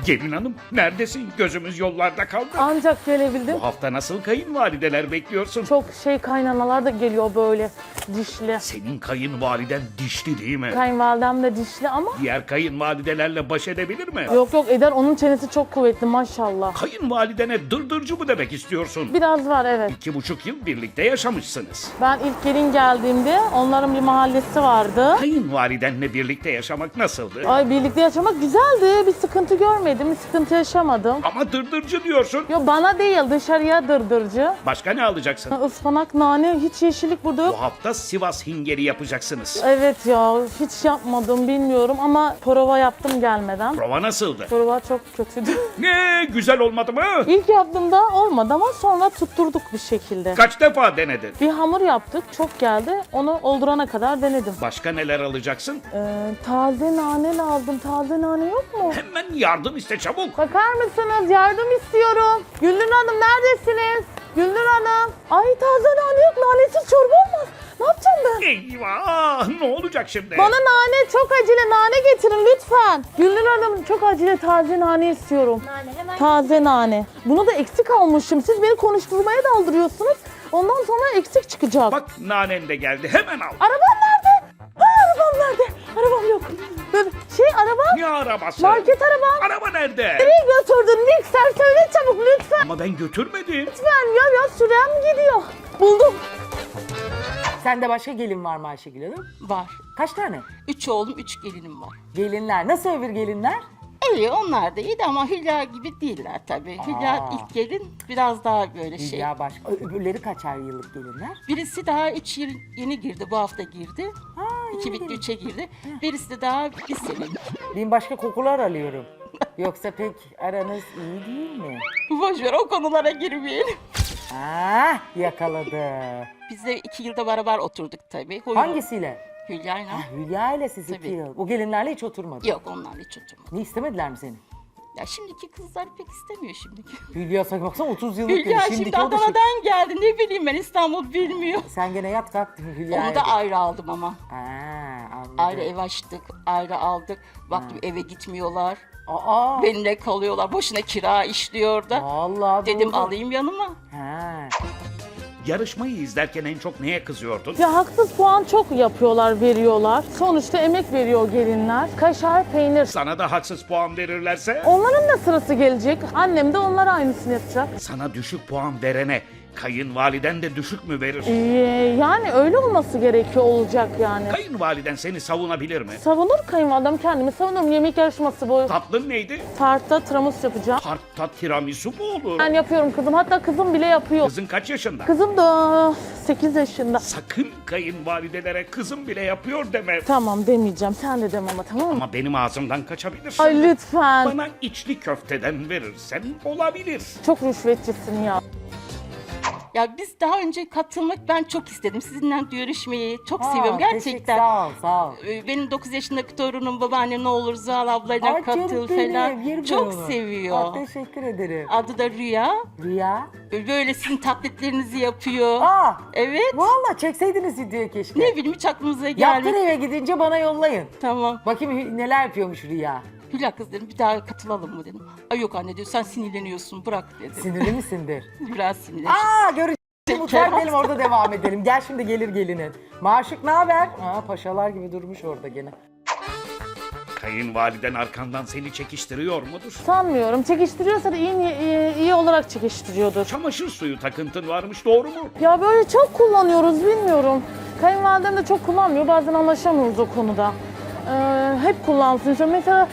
Gelin hanım neredesin? Gözümüz yollarda kaldı. Ancak gelebildim. Bu hafta nasıl kayınvalideler bekliyorsun? Çok kaynanalar da geliyor böyle dişli. Senin kayınvaliden dişli değil mi? Kayınvalidem de dişli ama Diğer kayınvalidelerle baş edebilir mi? yok eder, onun çenesi çok kuvvetli maşallah. Kayınvalidene dırdırcı mı demek istiyorsun? Biraz var evet. 2,5 yıl birlikte yaşamışsınız. Ben ilk gelin geldiğimde onların bir mahallesi vardı. Kayınvalidenle birlikte yaşamak nasıldı? Ay birlikte yaşamak güzeldi. Bir sıkıntı görmedim, bir sıkıntı yaşamadım. Ama dırdırcı diyorsun. Yo bana değil dışarıya dırdırcı. Başka ne alacaksın? Ispanak, nane, hiç yeşillik burada yok. Bu hafta Sivas hingeri yapacaksınız. Evet ya hiç yapmadım bilmiyorum ama prova yaptım gelmeden. Prova nasıldı? Prova çok kötüydü. Ne güzel olmadı mı? İlk yaptığımda olmadı ama sonra tutturduk bir şekilde. Kaç defa denedin? Bir hamur yaptık, çok geldi. Onu oldurana kadar denedim. Başka neler alacaksın? Taze nane lazım. Taze nane yok mu? Hemen yardım iste çabuk. Bakar mısınız? Yardım istiyorum. Gülnur Hanım neredesiniz? Gülnur Hanım. Ay taze nane yok. Nanesiz çorba olmaz. Ne yapacağım ben? Eyvah! Ne olacak şimdi? Bana nane, çok acele nane getirin lütfen. Gülnur Hanım çok acele taze nane istiyorum. Nane hemen Taze nane. Bunu da eksik almışım. Siz beni konuşturmaya daldırıyorsunuz. Ondan sonra eksik çıkacak. Bak nanen de geldi. Hemen al. Arabam nerede? Ay arabam nerede? Arabam yok. Böyle arabam. Ne arabası? Market arabam. Araba nerede? Nereye götürdün mikser? Söyle çabuk lütfen. Ama ben götürmedim. Lütfen ya sürem gidiyor. Buldum. Sende başka gelin var mı Ayşegül Hanım? Var. Kaç tane? 3 oğlum, 3 gelinim var. Gelinler. Nasıl öbür gelinler? İyi, onlar da iyiydi ama Hülya gibi değiller tabii. Hülya ilk gelin biraz daha böyle şey. Ya başka. Öbürleri kaçar yıllık gelinler? Birisi daha 3 yıl yeni girdi, bu hafta girdi. Ha, 2 bitti 3'e girdi. Birisi de daha bir senelik. Ben başka kokular alıyorum. Yoksa pek aranız iyi değil mi? Boş ver, o konulara girmeyelim. Ah yakaladı. Biz de 2 yılda beraber oturduk tabii. Hangisiyle? Hülya'yla. Hülya ile siz 2 Tabii. yıl. O gelinlerle hiç oturmadı. Yok, onlarla hiç oturmadık. Ne istemediler mi seni? Ya şimdiki kızlar pek istemiyor şimdiki. Hülya sanki baksana 30 yıllık gelin. Hülya şimdi Şimdiki o da şey- Adana'dan geldi, ne bileyim ben, İstanbul bilmiyor. Sen gene yat kalk Hülya. Onu da ayrı aldım ama. Ha, anladım. Ayrı ev açtık, ayrı aldık. Baktım eve gitmiyorlar. Aa. Benimle kalıyorlar. Boşuna kira işliyor da. Vallahi Dedim doğru. alayım yanıma. Ha. Yarışmayı izlerken en çok neye kızıyordun? Ya haksız puan çok yapıyorlar, veriyorlar. Sonuçta emek veriyor gelinler. Kaşar, peynir. Sana da haksız puan verirlerse? Onların da sırası gelecek. Annem de onlara aynısını yapacak. Sana düşük puan verene kayınvaliden de düşük mü verir? Yani öyle olması gerekiyor, olacak yani. Kayınvaliden seni savunabilir mi? Savunur kayınvalidem, kendimi savunurum. Yemek yarışması bu. Tatlın neydi? Tartta tiramisu yapacağım. Tartta tiramisu mu olur? Ben yapıyorum kızım. Hatta kızım bile yapıyor. Kızın kaç yaşında? Kızım da 8 yaşında. Sakın kayınvalidelere kızım bile yapıyor deme. Tamam demeyeceğim. Sen de deme ama tamam mı? Ama benim ağzımdan kaçabilir. Ay lütfen. Bana içli köfteden verirsen olabilir. Çok rüşvetçisin ya. Ya biz daha önce katılmak ben çok istedim. Sizinle görüşmeyi çok Aa, seviyorum teşekkür- gerçekten. Sağ ol, sağ ol. Benim 9 yaşındaki torunum babaanne ne olur Zuhal ablayla Ay canım katıl benim, falan. yerim Çok ben onu. seviyor. Aa, teşekkür ederim. Adı da Rüya. Rüya. Böyle sizin taklitlerinizi yapıyor. Aa, Evet. valla çekseydiniz videoyu keşke. Ne bileyim hiç aklımıza Yaptın gelmedi. eve gidince bana yollayın. Tamam. Bakayım neler yapıyormuş Rüya. Hülya kız dedim, bir daha katılalım mı dedim. Ay yok anne diyor, sen sinirleniyorsun, bırak dedi. Sinirli misindir? Biraz sinirlenmiş. Aa göreceğiz. Mutfağa gidelim orada devam edelim. Gel şimdi gelir gelinin. Maşık ne haber? Aa paşalar gibi durmuş orada gene. Kayınvaliden arkandan seni çekiştiriyor mudur? Sanmıyorum. Çekiştiriyorsa da iyi olarak çekiştiriyordur. Çamaşır suyu takıntın varmış, doğru mu? Ya böyle çok kullanıyoruz bilmiyorum. Kayınvalidem de çok kullanmıyor. Bazen anlaşamıyoruz o konuda. Hep kullansın. İşte mesela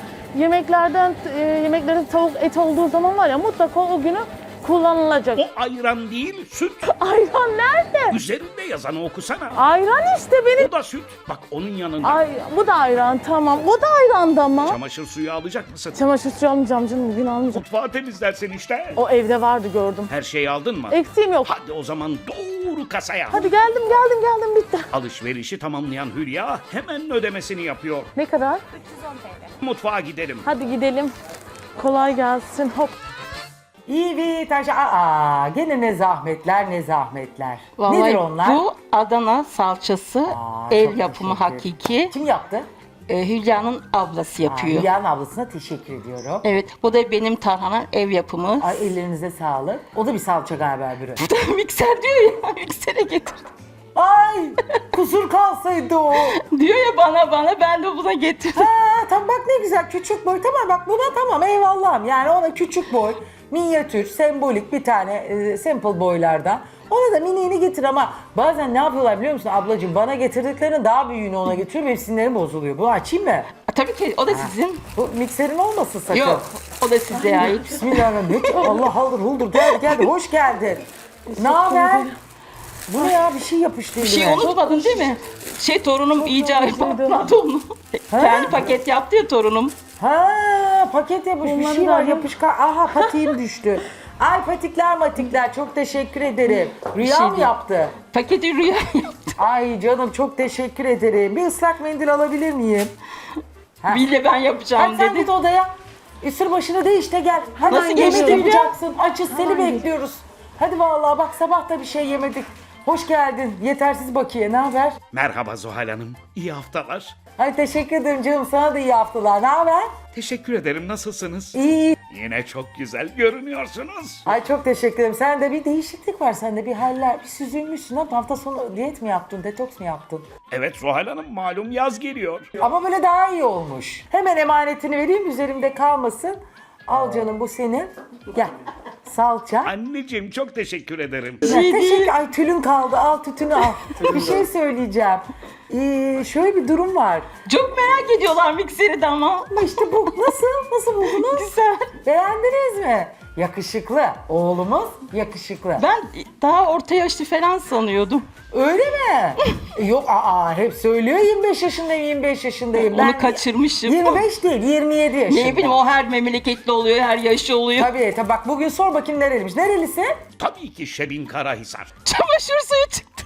yemeklerin tavuk et olduğu zaman var ya, mutlaka o günü kullanılacak. O ayran değil, süt. Ayran nerede? Üzerinde yazanı okusana. Ayran işte benim. O da süt. Bak onun yanında. Ay bu da ayran, tamam. Bu da ayran da ama. Çamaşır suyu alacak mısın? Çamaşır suyu almayacağım canım, bugün almayacağım. Mutfağı temizlersin işte. O evde vardı, gördüm. Her şeyi aldın mı? Eksiğim yok. Hadi o zaman doğru kasaya. Hadi geldim bitti. Alışverişi tamamlayan Hülya hemen ödemesini yapıyor. Ne kadar? 310 TL. Mutfağa gidelim. Hadi gidelim. Kolay gelsin. Hop. İyi bir taş. Aa gene ne zahmetler ne zahmetler. Vallahi Nedir onlar? bu Adana salçası, Aa, ev çok yapımı teşekkür. hakiki. Kim yaptı? Hülya'nın ablası yapıyor. Hülya'nın ablasına teşekkür ediyorum. Evet, bu da benim tarhana ev yapımı. Ay ellerinize sağlık. O da bir salça galiba öbürü. Mikser diyor ya, miksere getir. Ay kusur kalsaydı o. Diyor ya bana, ben de buna getirdim. Ha tamam bak ne güzel küçük boy. Tamam bak buna tamam eyvallahım. Yani ona küçük boy, minyatür, sembolik bir tane simple boylardan. Ona da miniğini getir ama bazen ne yapıyorlar biliyor musun ablacığım? Bana getirdiklerinin daha büyüğünü ona getiriyor. Benim sinirlerim bozuluyor. Bunu açayım mı? Tabii ki o da sizin. Bu mikserin olmasın sakın. Yok, o da size ait. Bismillahirrahmanirrahim. Allah haldır huldur geldi hoş geldin. Ne haber? Bu ne ya bir şey yapıştı Bir şey elime. unutmadın değil mi? Torunum iyice patladı onu. Kendi paket yaptı ya torunum. Ha paket yapmış bir Bunları şey da var alayım. yapışkan. Aha patiğim düştü. Ay patikler matikler çok teşekkür ederim. Rüya şey mı değil. yaptı? Paketi Rüya yaptı. Ay canım çok teşekkür ederim. Bir ıslak mendil alabilir miyim? Ha. Bille ben yapacağım Hadi sen dedi. git odaya. Üstür başına değiş de gel. Hadi Nasıl yemek geçti Hülya? yapacaksın. Açız seni bekliyoruz. Hadi vallahi bak sabah da bir şey yemedik. Hoş geldin. Yetersiz Bakiye ne haber? Merhaba Zuhal Hanım. İyi haftalar. Ay teşekkür ederim canım sana da iyi haftalar. Ne haber? Teşekkür ederim. Nasılsınız? İyi. Yine çok güzel görünüyorsunuz. Ay çok teşekkür ederim. Sende bir değişiklik var sende bir haller. Bir süzülmüşsün. Ne yaptın? Hafta sonu diyet mi yaptın? Detoks mu yaptın? Evet Zuhal Hanım malum yaz geliyor. Ama böyle daha iyi olmuş. Hemen emanetini vereyim üzerimde kalmasın. Al canım bu senin. Gel. Salça. Anneciğim çok teşekkür ederim. Ya, teşekkür. Ay tülün kaldı. Al tütünü al. Bir şey söyleyeceğim. Şöyle bir durum var. Çok merak ediyorlar mikseri de ama. Ama işte bu nasıl? Nasıl buldunuz? Güzel. Beğendiniz mi? Yakışıklı. Oğlumuz yakışıklı. Ben daha orta yaşlı falan sanıyordum. Öyle mi? Yok hep söylüyor 25 yaşındayım 25 yaşındayım. Onu kaçırmışım. 25 değil 27 yaşında. Ne bileyim o her memleketli oluyor, her yaşı oluyor. Tabii bak bugün sor bakayım nereliymiş. Nerelisin? Tabii ki Şebin Karahisar. Çamaşır suyu çıktı.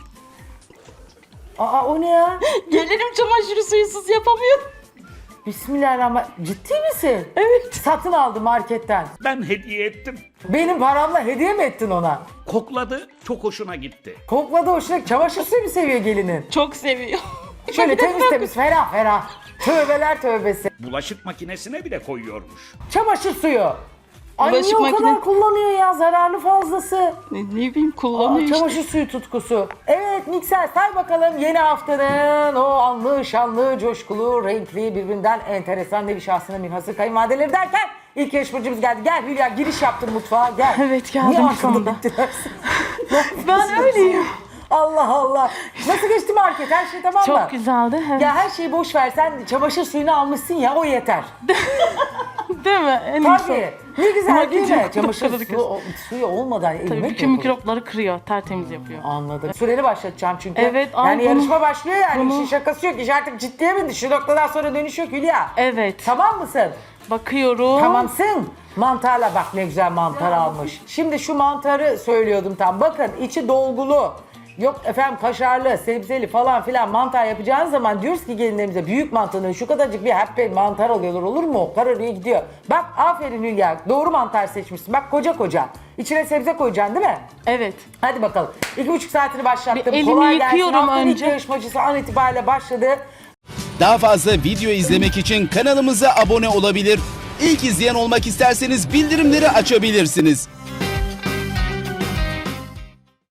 O ne ya? Gelirim çamaşır suyusuz yapamıyorum. Bismillahirrahmanirrahim. Ciddi misin? Evet. Satın aldı marketten. Ben hediye ettim. Benim paramla hediye mi ettin ona? Kokladı, çok hoşuna gitti. Kokladı hoşuna. Çamaşır suyu mu seviyor gelinin? Çok seviyor. Şöyle temiz temiz ferah ferah. Tövbeler tövbesi. Bulaşık makinesine bile koyuyormuş. Çamaşır suyu. Ay Bulaşık niye o kadar kullanıyor ya zararlı fazlası. Ne bileyim kullanıyor işte. Çamaşır suyu tutkusu. Evet mikser say bakalım yeni haftanın o anlı, şanlı, coşkulu, renkli, birbirinden enteresan nevi şahsına münhasır kayınvalideleri derken ilk yarışmacımız geldi. Gel Hülya giriş yaptın mutfağa gel. Evet, geldim Niye şu arkamda anda. diktiler? Ben öyleyim. Allah Allah. Nasıl geçti market? Her şey tamam mı? Çok güzeldi. Evet. Ya her şeyi boş ver. Sen çamaşır suyunu almışsın ya o yeter. Değil mi? En iyisi. Tabii. Ne güzel Market değil mi? yok, Çamaşır doktoru suyu olmadan elime Tabii bütün mikropları kırıyor, tertemiz yapıyor. Anladım. Süreli başlatacağım çünkü. Evet, Yani ay bunu- yarışma başlıyor yani. bunu- İşin şakası yok. İş artık ciddiye bindi. Şu noktadan sonra dönüş yok Hülya. Evet. Tamam mısın? Bakıyorum. Tamamsın. Mantarla bak ne güzel mantar almış. Şimdi şu mantarı söylüyordum tam. Bakın içi dolgulu. Yok efendim kaşarlı, sebzeli falan filan mantar yapacağınız zaman diyoruz ki gelinlerimize büyük mantarını şu kadarcık bir happy mantar alıyorlar olur mu? Kararıya gidiyor. Bak aferin Hülya doğru mantar seçmişsin. Bak koca koca. İçine sebze koyacaksın değil mi? Evet. Hadi bakalım. 2,5 saatini başlattım. Bir elimi Kolay gelsin. yıkıyorum Haftanın ilk önce. yarışmacısı an itibariyle başladı. Daha fazla video izlemek için kanalımıza abone olabilir. İlk izleyen olmak isterseniz bildirimleri açabilirsiniz.